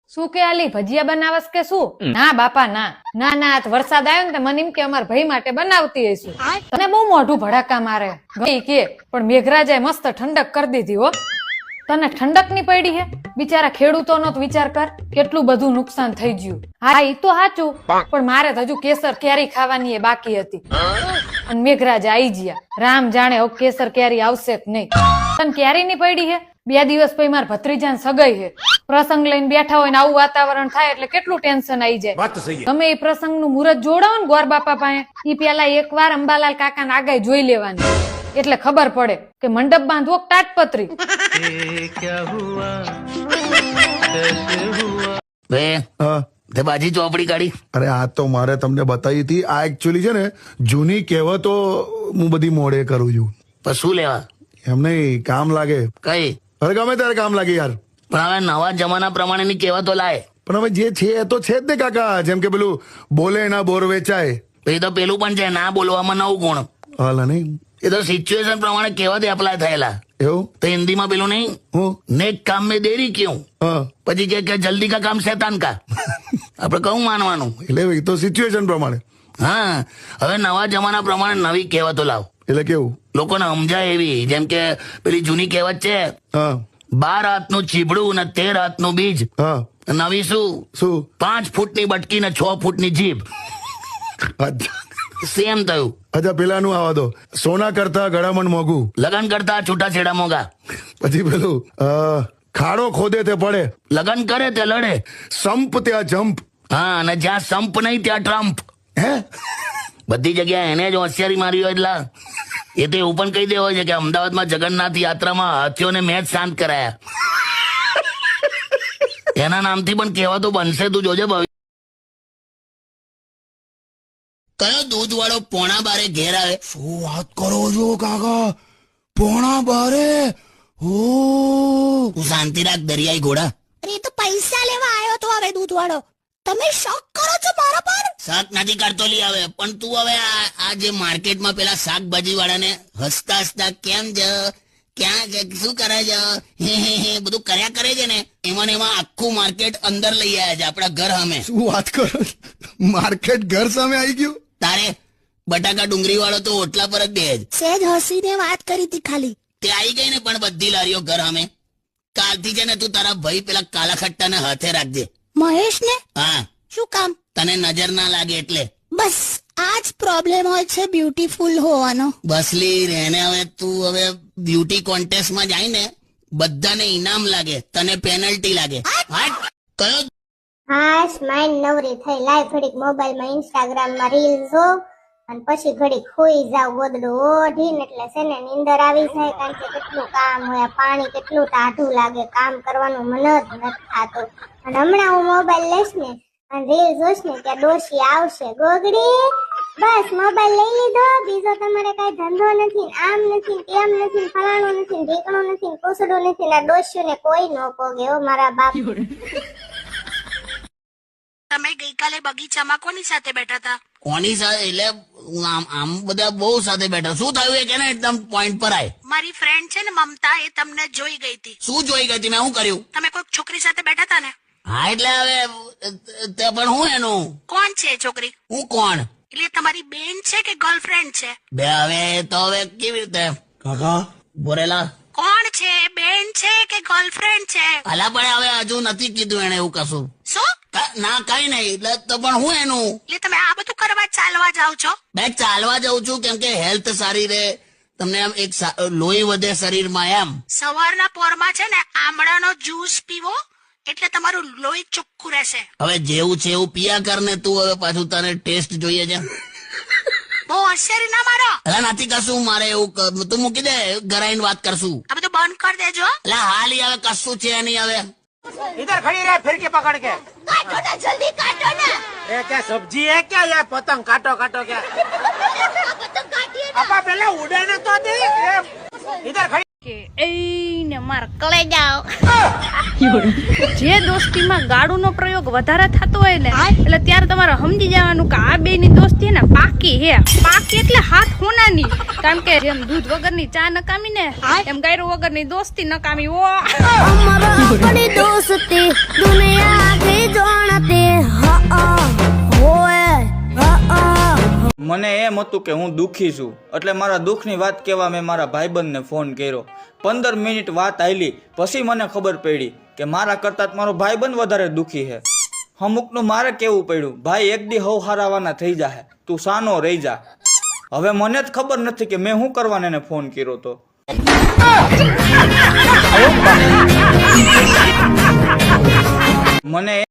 શું કે આલી ભજીયા બનાવસ કે શું? ના બાપા ના ના ના, આજ વરસાદ આવ્યો ને તો મને એમ કે અમાર ભાઈ માટે બનાવતી હશું. તને બહુ મોઢું ભડાકા મારે ભાઈ કે, પણ મેઘરાજાએ મસ્ત ઠંડક કરી દીધી હો. તને ઠંડક ની પડી હે? બિચારા ખેડૂતોનો તો વિચાર કર, કેટલું બધું નુકસાન થઈ ગયું. હા ઈ તો સાચું, પણ મારે તો હજુ કેસર કેરી ખાવાની એ બાકી હતી અને મેઘરાજા આઈ ગયા. રામ જાણે હવે કેસર કેરી આવશે કે નહીં. તને કેરી ની પડી હે? 2 દિવસ પછી મારા ભત્રીજાને સગાઈ હે. પ્રસંગ લઈને બેઠા હોય ને આવું વાતાવરણ થાય એટલે કેટલું ટેન્શન આવી જાય. તમે એ પ્રસંગ નું મુહૂર્ત જોડાવો ને ગોર બાપા પાસે, ઈ પેલા એકવાર અંબાલાલ કાકા ને આગાઈ જોઈ લેવાની, એટલે ખબર પડે કે મંડપ બાંધવો તાટપત્રી. તે બાજી ચોપડી કાઢી. અરે આ તો મારે તમને બતાવી હતી. આ એકચ્યુઅલી છે ને જૂની કહેવતો હું બધી મોડે કરું છું. પણ શું લેવા? એમ નહીં, કામ લાગે. કઈ? અરે ગમે ત્યારે કામ લાગે યાર. પણ હવે નવા જમાના પ્રમાણેની કહેવતો લાય. પણ હવે જે છે એ તો છે જ ને કાકા. જેમ કે પેલું બોલે ના બોર વેચાય. એ તો પેલું પણ છે, ના બોલવામાં નવું ગુણ. હાલ નહીં, એ તો સિચ્યુએશન પ્રમાણે કહેવત એપ્લાય થયેલા. એવું તો હિન્દીમાં પેલું નહીં, હું નેક કામ મેં દેરી ક્યું, હા પછી કે જલ્દી કા કામ શૈતાન કા. આપણે કહું માનવાનું. એટલે એ તો સિચ્યુએશન પ્રમાણે. હા, હવે નવા જમાના પ્રમાણે નવી કહેવતો લાવ. એટલે કેવું? લોકોને સમજાય એવી. જેમ કે પેલી જૂની કહેવત છે, હા 12 હાથનું ચીબડું ને 13 હાથનું બીજ. હા નવી શું? શું? 5 ફૂટની બટકી ને 6 ફૂટની જીભ. અચ્છા સેમ થયું. અચ્છા, પેલાનું આવા દો. સોના કરતા ગળામણ મોંઘું, લગન કરતા છૂટાછેડા મોંઘા. પછી પેલું ખાડો ખોદે તે પડે, લગન કરે તે લડે. સંપ ત્યાં જંપ. હા, અને જ્યાં સંપ નહીં ત્યાં ટ્રમ્પ. હે બધી જગ્યાએ એને જ હોશિયારી મારી હોય. એટલે એ તો એવું પણ કહી દેવો છે કે અમદાવાદમાં જગન્નાથ યાત્રામાં હાથીઓને મેચ શાંત કરાયા. એના નામથી પણ કહેવાતો બનશે, તું જોજે ભવિ. કયો દૂધ વાળો 11:30 ઘેર આવે? શું વાત કરો છો કાકા? 11:30? ઓ તું શાંતિ રાખ દરિયાઈ ઘોડા. અરે એ તો પૈસા લેવા આવ્યો તો હવે દૂધ વાળો. તમે શોક કરો છો મારા પર? શાક નથી કાઢતો લી આવે. પણ તું હવે આ જે માર્કેટમાં પેલા શાકભાજી વાળાને હસતા હસતા કેમ છે, ક્યાં છે, શું કરે છે, હે બધું કર્યા કરે છે ને, એમાં ને એમાં આખું માર્કેટ અંદર લઈ આવ્યા છે આપણા ઘર સામે. શું વાત કરો? માર્કેટ ઘર સામે આવી ગયું? તારે બટાકા ડુંગળી વાળો તો ઓટલા પર જ દે જ. સેજ હસીને વાત કરી હતી ખાલી. તે આવી ગઈ ને. પણ બધી લારીઓ ઘર સામે. કાલથી છે ને તું તારા ભાઈ પેલા કાલા ખટ્ટાને હાથે રાખજે. મહેશ ને? હા, શું કામ? તને નજર ના લાગે એટલે. બસ આજ પ્રોબ્લેમ હોય છે બ્યુટીફુલ હોવાનો. બસલી રહેને. હવે તું હવે બ્યુટી કોન્ટેસ્ટમાં જાય ને, બધાને ઇનામ લાગે, તને પેનલ્ટી લાગે. હટ. કયો? હાશ માઇન્ડ નવરી થઈ. લાઈ ઘડીક મોબાઈલમાં ઇન્સ્ટાગ્રામમાં રીલ જો અને પછી ઘડીક ખોઈ જાવ ગોદડું ઓઢીને. એટલે છે ને નીંદર આવી જાય, કારણ કે કેટલું કામ હોય. પાણી કેટલું ટાઢું લાગે, કામ કરવાનું મન જ નથી થતું. અને હમણાં હું મોબાઈલ લઈશ ને અને રીલ જોઈશ ને ત્યાં ડોશી આવશે, ગોગડી બસ મોબાઈલ લઈ લીધો, બીજો તમારે કઈ ધંધો નથી, આમ નથી, તેમ નથી, ફલાણું નથી, ઢીકણું નથી, કુસડું નથી. ના ડોસ્યું ને કોઈ ન પોગે હો મારા બાપ. તમે ગઈકાલે બગીચામાં કોની સાથે બેઠા હતા? કોની સાથે? એટલે આમ બધા બહુ સાથે બેઠા. શું થયું એ કે ને એકદમ પોઈન્ટ પર આય. મારી ફ્રેન્ડ છે ને મમતા, એ તમને જોઈ ગઈ હતી. શું જોઈ ગઈ હતી? મેં શું કર્યું? તમે કોઈક છોકરી સાથે બેઠા હતા ને? હા, એટલે હવે તે પણ હું એનું. કોણ છે એ છોકરી? હું કોણ? એટલે તમારી બેન છે કે ગર્લફ્રેન્ડ છે? બે હવે તો હવે કેવી રીતે કાકા બોરેલા? કોણ છે? બેન છે કે ગર્લફ્રેન્ડ છે? અલા પણ હવે હજુ નથી કીધું એને એવું કશું. શું? ના કઈ નહીં. એટલે તો પણ હું એનું. એટલે તમે આ બધું કરવા ચાલવા જાવ છો? બે ચાલવા જાઉં છું કેમ કે હેલ્થ સારી રહે, તમને આમ એક લોહી વધે શરીરમાં એમ. સવારના પોરમાં છે ને આમળાનો જ્યુસ પીવો એટલે તમારું લોહી ચોખ્ખું રહેશે. હવે જેવું છે એવું પિયા કર ને તું. હવે પાછું તને ટેસ્ટ જોઈએ છે. બહુ હોશિયારી ના મારો. અલા નથી કશું મારે એવું. તું મૂકી દે, ઘરાઈને વાત કરશું. આ બધું બંધ કરી દેજો. એટલે હાલ હવે કશું છે નહીં. હવે इधर खड़ी रहे फिर के पकड़ के। કાઢો ને જલ્દી કાઢો ને. ये क्या सब्जी है क्या? ये पतंग काटो काटो क्या? પતંગ કાઢીએ ને. अपा पहले उड़े न तो दे। इधर खड़ी એને માર કલે જાઓ. જે દોસ્તીમાં ગાળુનો પ્રયોગ વધારે થતો હોય ને, એટલે ત્યારે તમારે સમજી જવાનું કે આ બે ની દોસ્તી ને પાકી હે. પાકી એટલે હાથ હોનાની. કારણ કે જેમ દૂધ વગરની ચા નકામી ને, એમ ગાયરો વગરની દોસ્તી નકામી. ઓ અમારા આપણી દોસ્તી દુનિયા મને એમ હતું કે હું દુઃખી છું, એટલે મારા દુઃખની વાત કહેવા મેં મારા ભાઈબંધને ફોન કર્યો. 15 મિનિટ વાત આયલી, પછી મને ખબર પડી કે મારા કરતાં મારો ભાઈબંધ વધારે દુઃખી છે. અમુકનું મારે કેવું પડ્યું, ભાઈ એક દી હવ હારાવાના થઈ જાહે, તું સાનો રહી જા. હવે મને જ ખબર નથી કે મેં શું કરવાને એને ફોન કર્યો તો. મને